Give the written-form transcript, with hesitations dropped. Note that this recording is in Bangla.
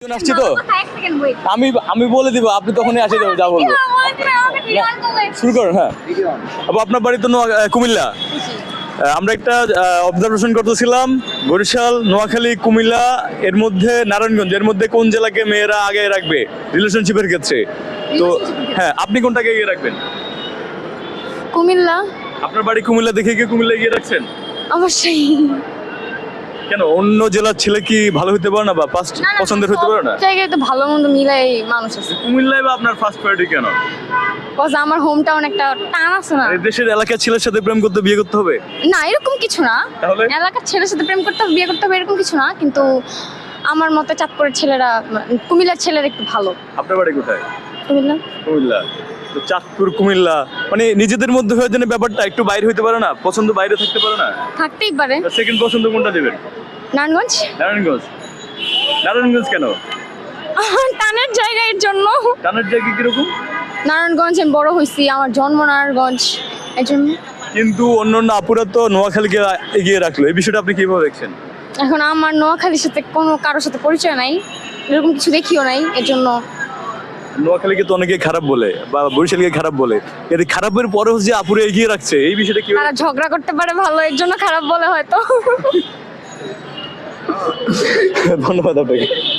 আসছি তো আমি আমি বলে দিব, আপনি তখনই আসে যাবেন, যা বলবো। শুরু করুন। হ্যাঁ, আপু আপনার বাড়ি তো কুমিল্লা। আমরা একটা অবজারভেশন করতেছিলাম, বরিশাল, নোয়াখালী, কুমিল্লা, এর মধ্যে নারায়ণগঞ্জ, এর মধ্যে কোন জেলাকে মেয়েরা আগে রাখবে রিলেশনশিপের ক্ষেত্রে? তো হ্যাঁ, আপনি কোনটাকে এগিয়ে রাখবেন? কুমিল্লা। আপনার বাড়ি কুমিল্লা দেখে কি কুমিল্লা এগিয়ে রাখছেন? অবশ্যই। কেন, অন্য জেলার ছেলে কি ভালো হতে পারে না, বা পছন্দের হতে পারে না? জায়গায় তো ভালো মন্দ মিলাই মানুষ আছে। কুমিল্লায় বা আপনার ফার্স্ট প্রায়োরিটি কেন? বস আমার হোম টাউন একটা টান আছে না। এই দেশের এলাকার ছেলের সাথে প্রেম করতে বিয়ে করতে হবে? না এরকম কিছু না। তাহলে? এলাকার ছেলের সাথে প্রেম করতে হবে, বিয়ে করতে হবে এরকম কিছু না, কিন্তু আমার মতে চাঁদপুরের ছেলেরা, কুমিল্লার ছেলেরা একটু ভালো। আপনার বাড়ি কোথায়? কুমিল্লা। কুমিল্লা। তো চাঁদপুর, কুমিল্লা, মানে নিজেদের মধ্যে হয়ে যেন ব্যাপারটা একটু বাইরে হইতে পারে না? পছন্দ বাইরে থাকতে পারে না? থাকতেই পারে। সেকেন্ড পছন্দ কোনটা দেবেন? নারায়ণগঞ্জ। নারায়ণগঞ্জ। নারায়ণগঞ্জ কেন? টানের জায়গার জন্য। টানের জায়গা কিরকম? নারায়ণগঞ্জ আমি বড় হয়েছি, আমার জন্ম নারায়ণগঞ্জ, এই জন্য। কিন্তু অন্য আপুরা তো নোয়াখালীকে এগিয়ে রাখলো, এই বিষয়টা আপনি কিভাবে দেখছেন? এখন আমার নোয়াখালীর সাথে কোনো কারোর সাথে পরিচয় নাই, এরকম কিছু দেখিও নাই, এর জন্য। নোয়াখালীকে তো অনেকে খারাপ বলে, বা বরিশালকে খারাপ বলে, এর খারাপের পরেও যে আপুরা এগিয়ে রাখছে, এই বিষয়টা কি? তারা ঝগড়া করতে পারে ভালো, এর জন্য খারাপ বলে হয়তো। ধন্যবাদ আপনাকে।